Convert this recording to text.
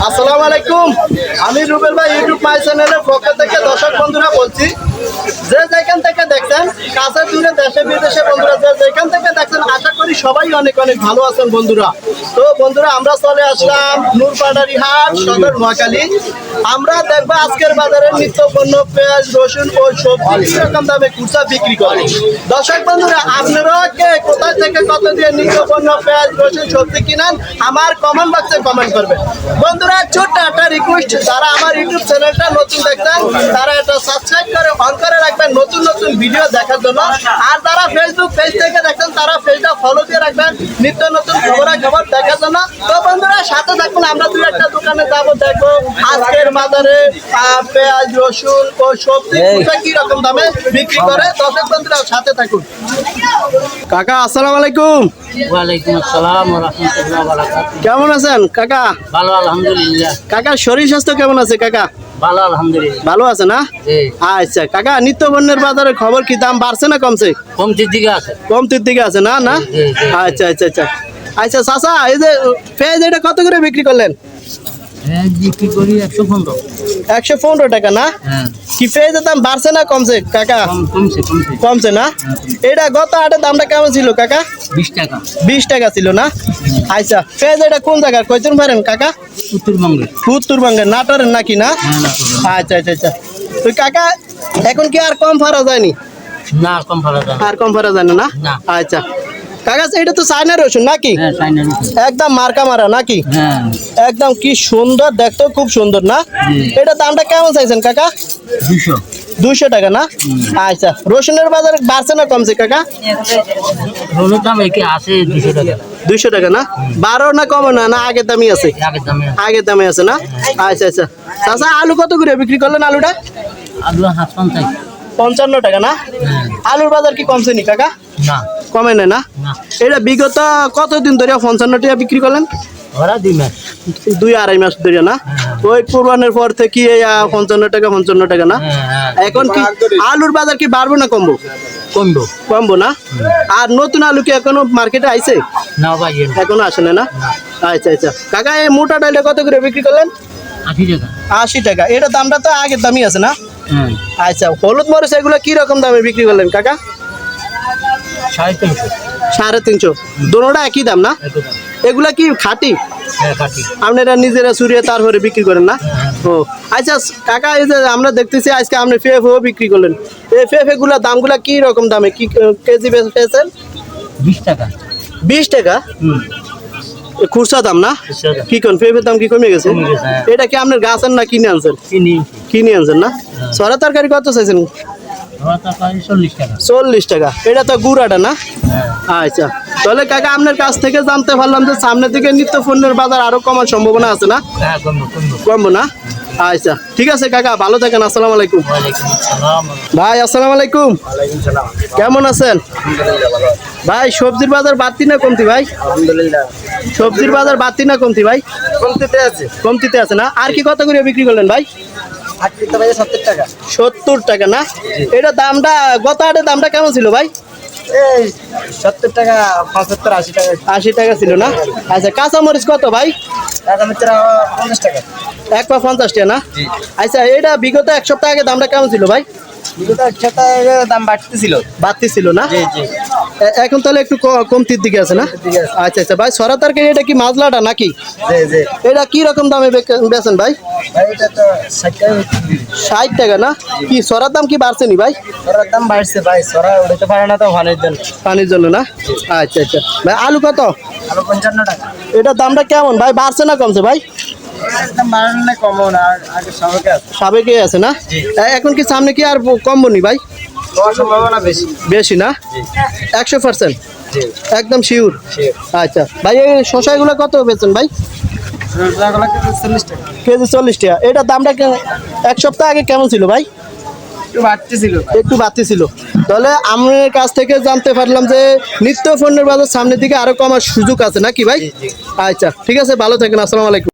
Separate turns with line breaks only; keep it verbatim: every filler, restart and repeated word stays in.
আসসালামু আলাইকুম। আমি রুবেল ভাই ইউটিউব মাই চ্যানেলের পক্ষ থেকে দর্শক বন্ধুরা বলছি, যে যেখান থেকে দেখছেন, কাছে দূরে দেশে বিদেশে বন্ধুরা যে যেখান থেকে দেখছেন, আশা করি সবাই অনেক অনেক ভালো আছেন বন্ধুরা। তো বন্ধুরা আমরা চলে আসলাম নূরপাড়ারি হাট, সদর নোয়াখালী। আমরা দেখবো আজকের বাজারে নিত্য পণ্য পেঁয়াজ, রসুন ও সবজি রকম দামে খুচরা বিক্রি করে। দর্শক বন্ধুরা আপনারা কে কোথায় থেকে কত দিয়ে নিত্য পণ্য পেঁয়াজ, রসুন, সবজি কিনেন আমার কমেন্ট বক্সে কমেন্ট করবেন। বন্ধুরা ছোট্ট একটা রিকোয়েস্ট, যারা আমার ইউটিউব চ্যানেলটা নতুন দেখছেন তারা এটা সাবস্ক্রাইব করে অন করে রাখবেন নতুন নতুন ভিডিও দেখার জন্য। আর যারা ফেসবুক পেজ থেকে দেখছেন তারা পেজটা ফলো দিয়ে রাখবেন নিত্য নতুন খবরাখবর দেখার জন্য। তো বন্ধুরা সাথে থাকুন, আমরা দুই একটা দোকানে যাবো, দেখবো আজকের বাজারে পেঁয়াজ, রসুন ও সবজি কি রকম দামে বিক্রি করে। দর্শক বন্ধুরা সাথে থাকুন। কাকা আসসালামু আলাইকুম।
ওয়ালাইকুম আসসালাম ওয়া রাহমাতুল্লাহি ওয়া বারাকাতুহু।
কেমন আছেন কাকা?
ভালো আলহামদুলিল্লাহ।
কাকার শরীর স্বাস্থ্য কেমন আছে কাকা?
ভালো আলহামদুলিল্লাহ।
ভালো আছে না?
জি।
আচ্ছা কাকা, নিত্য পণ্যের বাজারের খবর কি, দাম বাড়ছে না কমছে?
কমতির দিকে আছে।
কমতির দিকে আছে না? না
জি, জি, জি।
আচ্ছা আচ্ছা আচ্ছা আচ্ছা চাচা, এই যে পেঁয়াজ এটা কত করে বিক্রি করলেন?
হ্যাঁ বিক্রি করি একশো পনেরো।
একশো পনেরো টাকা না?
হ্যাঁ
কি পেঁয়াজের দাম বাড়ছে না কমছে কাকা?
কম কমছে কমছে
কমছে না? এটা গত হাটের দামটা কেমন ছিল কাকা?
বিশ টাকা।
বিশ টাকা ছিল না? আচ্ছা পেঁয়াজ এটা কোন জায়গার কয়জন পারেন কাকা?
উত্তরবঙ্গে।
উত্তরবঙ্গের নাটোরের নাকি না?
হ্যাঁ না করবেন।
আচ্ছা আচ্ছা আচ্ছা তো কাকা এখন কি আর কম ফারা যায়নি?
না কম ভাড়া দাম।
আর কম ফারা যায় না?
না।
আচ্ছা কাকা এটা তো চায়না রসুন নাকি?
হ্যাঁ চাইনা রসুন।
একদম মার্কা মারা নাকি?
হ্যাঁ
একদম কি সুন্দর, দেখতে খুব সুন্দর না?
হুম।
এটা দামটা কেমন চাইছেন কাকা?
দুশো।
দুইশো টাকা না? আচ্ছা রসুনের বাজারে বাড়ছে না কমছে কাকা?
রোলের দাম একে আছে দুশো টাকা।
দুইশো টাকা না? বারো না কমে না? না আগের দামই আছে?
আগের দামে আছে।
আগের দামে আছে না? আচ্ছা আচ্ছা চাচা আলু কত করে বিক্রি করলেন? আলুটা
আলু হাত পঞ্চাশ।
পঞ্চান্ন টাকা না?
হ্যাঁ
আলুর বাজার কি কমছে নি কাকা?
না
কমে না না?
না
এটা বিগত কতদিন ধরে পঞ্চান্ন টাকা বিক্রি করলেন?
ওরা দুই মাস।
দুই আড়াই মাস ধরে না? ওই কোরবানের পর থেকে এই আহ, পঞ্চান্ন টাকা পঞ্চান্ন টাকা না?
হ্যাঁ হ্যাঁ
এখন কি আলুর বাজার কি বাড়বো না কমবো?
কমবো।
কমবো না? আর নতুন আলু কি এখনো মার্কেটে আইছে?
না ভাই
এখনো আসে না? না আচ্ছা আচ্ছা কাকা এই মোটা ডালটা কত করে বিক্রি করলেন?
আশি টাকা।
আশি টাকা। এটা দামটা তো আগের দামই আছে না?
হ্যাঁ
আচ্ছা হলুদ মরিচ এগুলো কি রকম দামে বিক্রি করলেন কাকা?
সাড়ে তিনশো।
সাড়ে তিনশো। দুটোটা একই দাম না?
এত দাম।
এগুলা কি খাঁটি?
হ্যাঁ কাটি।
আপনারা নিজেরা চুরিয়ে তারপরে বিক্রি করেন না? ও আচ্ছা কাকা, এই যে আমরা দেখতেছি আজকে আপনি ফেফও বিক্রি করলেন, এই ফেফে গুলা দামগুলা কি রকম দামে কি কেজি পেয়েছেন?
বিশ টাকা।
বিশ টাকা
হুম
এ খুচরা দাম না?
খুচরা দাম।
কি কোন ফেফের দাম কি কমে গেছে?
কমে গেছে, হ্যাঁ।
এটা কি আপনার গাছ আন না কিনে আনছেন?
চিনি।
কিনে আনছেন না? সরা তরকারি কত চাইছেন?
ওরা তরকারি চল্লিশ টাকা।
চল্লিশ টাকা। এটা তো গুড়াটা না?
হ্যাঁ
আচ্ছা তাহলে কাকা আপনার কাছ থেকে জানতে পারলাম যে সামনের দিকে নিত্য পণ্যের বাজার আরো কমার সম্ভাবনা আছে না?
হ্যাঁ কমবো কমবো।
কমবো না? আচ্ছা ঠিক আছে কাকা, ভালো থাকেন। আসসালামু আলাইকুম।
ওয়ালাইকুম আসসালাম।
ভাই আসসালামু আলাইকুম।
ওয়ালাইকুম সালাম।
কেমন আছেন
আলহামদুলিল্লাহ ভালো।
ভাই? সবজির বাজার বাড়তি না কমতি ভাই?
আলহামদুলিল্লাহ
সবজির বাজার বাড়তি না কমতি ভাই?
কমতিতে আছে।
কমতিতে আছে না? আর কি কত করে বিক্রি করলেন ভাই?
আজকে তো ভাই সত্তর টাকা।
সত্তর টাকা না? এটা দামটা গত হাটের দামটা কেমন ছিল ভাই?
এই সত্তর টাকা, পঁচাত্তর, আশি টাকা।
আশি টাকা ছিল না? আচ্ছা কাঁচামরিচ কত ভাই?
টাকা মিত্রা পঞ্চাশ টাকা।
এক পা পঞ্চাশ টাকা না? আচ্ছা এটা বিগত এক সপ্তাহ আগে দামটা কেমন ছিল ভাই?
বিগত এক সপ্তাহে দাম বাড়তেছিল।
বাড়তি ছিল না?
জি জি
এ- এখন তাহলে একটু ক- কমতির দিকে আছে না?
দিকে আছে।
আচ্ছা আচ্ছা ভাই সরা তরকারি এটা কি মাজলাটা নাকি?
জি জি
এটা কি রকম দামে বেকে- বেচেন ভাই?
ভাই এটা তো ষাট টাকা বিক্রি।
ষাট টাকা না? কি সরার দাম কি বাড়ছে নি ভাই?
সরার দাম বাড়ছে ভাই, সরা উড়াতে পারে না তো ভালোর জন্য।
পানির জন্য না? আচ্ছা আচ্ছা ভাই আলু কত?
আরো পঞ্চান্ন টাকা।
এটার দামটা কেমন ভাই, বাড়ছে না কমছে ভাই?
এর দাম বাড়ানো না কমও না, আর আগে সবকে আছে।
সাবেকে আছে না? এ- এখন কি সামনে কি আর কমবো নি ভাই?
হওয়ার সম্ভাবনা বেশি।
বেশি না? একশো পার্সেন্ট
জি
একদম শিওর?
ঠিক।
আচ্ছা ভাই এই শশাগুলো কত বেচেন ভাই?
রসগোল্লা কেজি চল্লিশ টাকা।
কেজি চল্লিশ টাকা। এটার দামটা কে- এক সপ্তাহ আগে কেমন ছিল ভাই?
একটু বাড়তেছিল।
একটু বাড়তি ছিল। তাহলে আমার কাছ থেকে জানতে পারলাম যে নিত্য পণ্যের বাজার সামনের দিকে আরো কমার সুযোগ আছে নাকি ভাই? আচ্ছা ঠিক আছে, ভালো থাকেন। আসসালামু আলাইকুম।